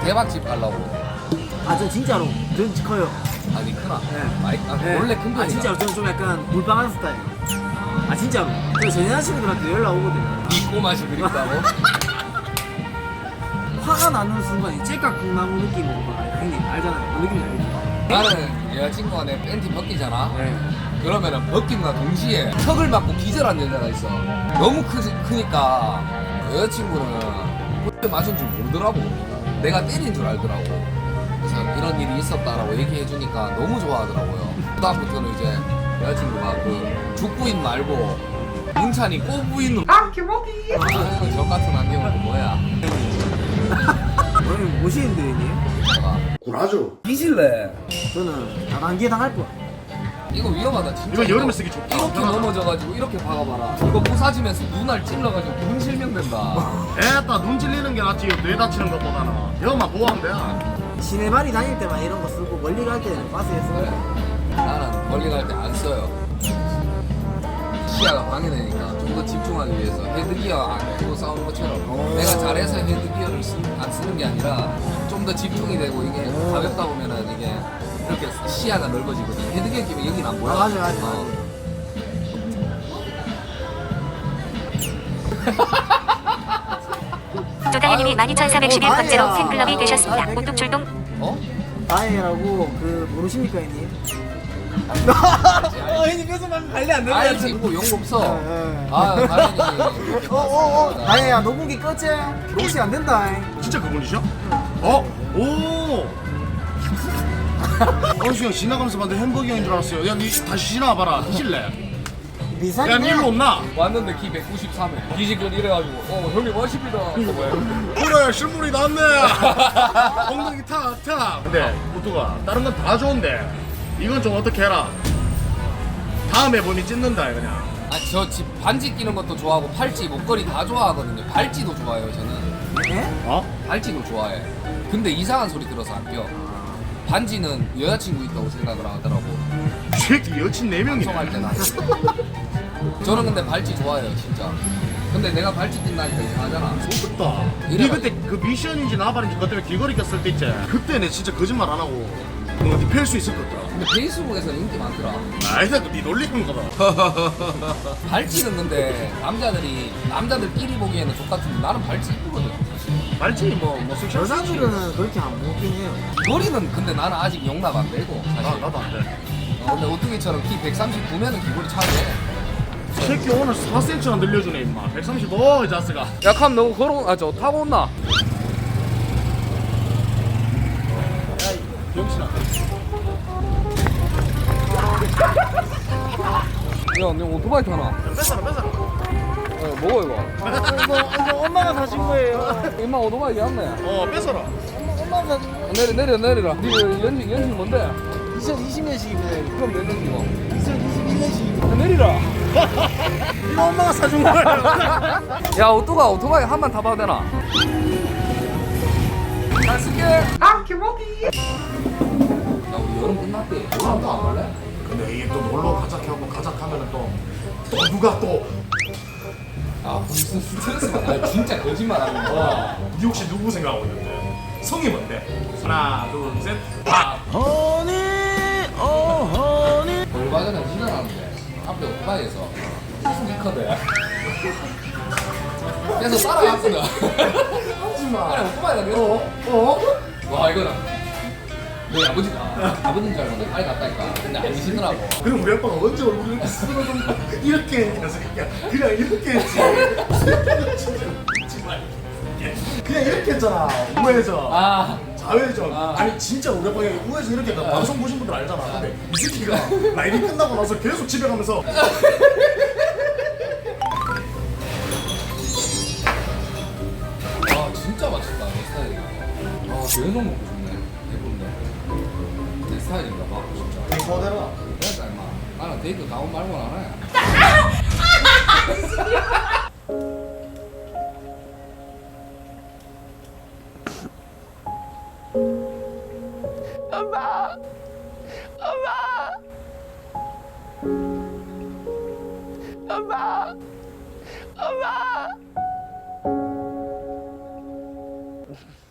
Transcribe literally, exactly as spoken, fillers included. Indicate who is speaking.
Speaker 1: 대박집 가려고.
Speaker 2: 아, 저 진짜로 전 커요.
Speaker 1: 아니 크나?
Speaker 2: 네.
Speaker 1: 많이 아,
Speaker 2: 네.
Speaker 1: 원래 큰 편이야.
Speaker 2: 아, 진짜로 저는 좀 약간 물방한 스타일. 아, 진짜로. 저전 여자친구들한테 연락 오거든요.
Speaker 1: 이 꼬맛이 그립다고?
Speaker 2: 화가 나는 순간에 째깍 콩나무 느낌 오는 거 형님 알잖아요. 그 느낌이 알죠?
Speaker 1: 나는 여자친구가 내 팬티 벗기잖아.
Speaker 2: 네.
Speaker 1: 그러면은 벗김과 동시에 턱을 맞고 기절한 여자가 있어. 너무 크, 크니까 여자친구는 그때 맞은 줄 모르더라고. 내가 때린 줄 알더라고. 그래서 이런 일이 있었다라고 얘기해 주니까 너무 좋아하더라고요. 그다음부터는 이제 여자친구가 그 죽부인 말고 문찬이 꼬부인으로 아 개먹이 아, 저 같은 안경은 또 뭐야.
Speaker 2: 형님 뭐시는데 형님?
Speaker 3: 구라죠.
Speaker 1: 뒤질래.
Speaker 2: 저는 다단계 당할 거.
Speaker 1: 이거 위험하다 진짜.
Speaker 3: 이거 여름에 쓰기 좋다.
Speaker 1: 이렇게 넘어져가지고 이렇게 박아봐라. 이거 부사지면서 눈알 찔러가지고 눈 실명된다.
Speaker 3: 에따 눈 찔리는 게 낫지. 뇌 다치는 것보다는. 여만 보호하면 돼.
Speaker 2: 시내발이 다닐 때만 이런 거 쓰고 멀리 갈 때는 버스에
Speaker 1: 그래.
Speaker 2: 쓰고.
Speaker 1: 나는 멀리 갈 때 안 써요. 시야가 방해되니까 좀 더 집중하기 위해서 헤드기어 안 끼고 싸우는 것처럼 내가 잘해서 헤드기어를 쓰, 안 쓰는 게 아니라 좀 더 집중이 되고 이게 가볍다 보면은 이게 이렇게 시야가 넓어지거든. 헤드기어 끼면 여기는 안 보여.
Speaker 2: 아, 맞아, 맞아.
Speaker 1: 어.
Speaker 4: 조다이님이 만 이천사백십일 번째로
Speaker 2: 아니야.
Speaker 4: 팬클럽이 되셨습니다.
Speaker 2: 아,
Speaker 4: 오뚝 출동.
Speaker 1: 어?
Speaker 2: 다행이라고 그 모르십니까 형님? 어 형님 뺏어만 관리 안 되는
Speaker 1: 알지 뭐 욕 없어.
Speaker 2: 예, 예.
Speaker 1: 아 당연히 이렇게
Speaker 2: 어어어 다행이야 녹음기 껐지? 녹음이 안 된다.
Speaker 3: 진짜 그분이셔? 어? 오! 원수 형 지나가면서 봤는데 햄버거 형인 줄 알았어요. 야, 니 다시 지나와봐라. 드실래?
Speaker 2: 비싼
Speaker 3: 야, 니 일로 온나?
Speaker 1: 왔는데 키 백구십삼에 기지근 이래가지고 어 형님 멋있습니다.
Speaker 3: 그래, 실물이 낫네. 엉덩이 탁, 탁. 근데, 오뚜가, 다른 건 다 좋은데, 이건 좀 어떻게 해라. 다음에 보니 찢는다, 그냥.
Speaker 1: 아저 집 반지 끼는 것도 좋아하고 팔찌 목걸이 다 좋아하거든요. 발찌도 좋아해요 저는.
Speaker 2: 예?
Speaker 3: 어?
Speaker 1: 발찌도 좋아해. 근데 이상한 소리 들어서 안 껴. 반지는 여자친구 있다고 생각을 하더라고.
Speaker 3: 이 새끼 여친 네 명이네.
Speaker 1: 방송할 때나. 저는 근데 발찌 좋아해요 진짜. 근데 내가 발찌 낀다니까 이상하잖아.
Speaker 3: 좋겠다. 니
Speaker 1: 이래가-
Speaker 3: 그때 그 미션인지 나발인지 그것 때문에 길거리 꼈을 때 있지? 그때 내 진짜 거짓말 안 하고 어디 팰 수 있을 것 같더라.
Speaker 1: 근데 페이스북에서는 인기 많더라.
Speaker 3: 아니다, 니 놀리는 거다.
Speaker 1: 발찌는 근데 남자들이 남자들끼리 보기에는 족같은데 나는 발찌 이쁘거든.
Speaker 3: 말지 뭐, 뭐 섹시한
Speaker 2: 여자들은 그렇게 안 먹긴 해요.
Speaker 1: 머리는 근데 나는 아직 용납 안 되고
Speaker 3: 나,
Speaker 1: 사실.
Speaker 3: 나도 안 돼.
Speaker 1: 어, 근데 오뚜기처럼 키 백삼십구면은 기본이 차네.
Speaker 3: 이 새끼 오늘 사 센티미터나 늘려주네 임마. 백삼십오 이 자스가.
Speaker 1: 야, 캄 너무 걸어, 아, 저 타고 온나?
Speaker 3: 병신아.
Speaker 1: 야, 너 오토바이 타나?
Speaker 3: 뺏어라 뺏어라.
Speaker 1: 어, 뭐고 이거?
Speaker 2: 아, 이거 이거 엄마가 사신 거예요.
Speaker 1: 임마 오토바이 였네.
Speaker 3: 어 뺏어라.
Speaker 2: 엄마가 사신 거.
Speaker 1: 내려, 내려, 내리라. 니 연식, 연식 뭔데?
Speaker 2: 이천이십 년식입니다.
Speaker 1: 그럼 내 년식이고.
Speaker 2: 이천이십일 년식입니다.
Speaker 1: 내리라.
Speaker 3: 이거 엄마가 사준 거야.
Speaker 1: 야, 오토가 오토바이 한 번 타봐도 되나? 잘 쓸게. 아, 개먹이. 야, 우리 여름 끝났대. 여름 또안 갈래?
Speaker 3: 근데 이게 또 놀러 가자하고 가자하면은 또, 또 누가 또.
Speaker 1: 아, 무슨 스트레스가 나 진짜 거짓말 하는 거야.
Speaker 3: 니 혹시 누구 생각하고 있는데? 성이 뭔데? 하나 둘 셋. 아.
Speaker 2: 허니 어 허니.
Speaker 1: 얼마 전에 운전하는데 앞에 오토바이에서 스니커들 그래서 따라갔거든.
Speaker 3: 하지마.
Speaker 1: 아니 오토바이가 내가
Speaker 3: 어? 어?
Speaker 1: 와 이거는 너희 아버지가 아버지인 줄 알고 내가 빨리 갔다니까. 근데 아니시더라고.
Speaker 3: 그럼 우리 아빠가 언제 얼굴을 이렇게 쓰러져 이렇게 했냐서 그냥 그냥 이렇게 했지. 그냥 이렇게 했잖아. 우회전.
Speaker 1: 아
Speaker 3: 좌회전.
Speaker 1: 아.
Speaker 3: 아니 진짜 우리 아빠가 우회전 이렇게 했다. 방송 보신 분들 알잖아. 근데 이 새끼가 라이브 끝나고 나서 계속 집에 가면서
Speaker 1: 아 진짜 맛있다 내 스타일이야. 아 계속 먹고 싶네. 예쁜데 내 스타일인가 봐 진짜.
Speaker 3: 그대로.
Speaker 1: 그러니까 임마 나는 데이트 가온 말고 안 해.
Speaker 5: 엄마! 엄마! 엄마! 엄마!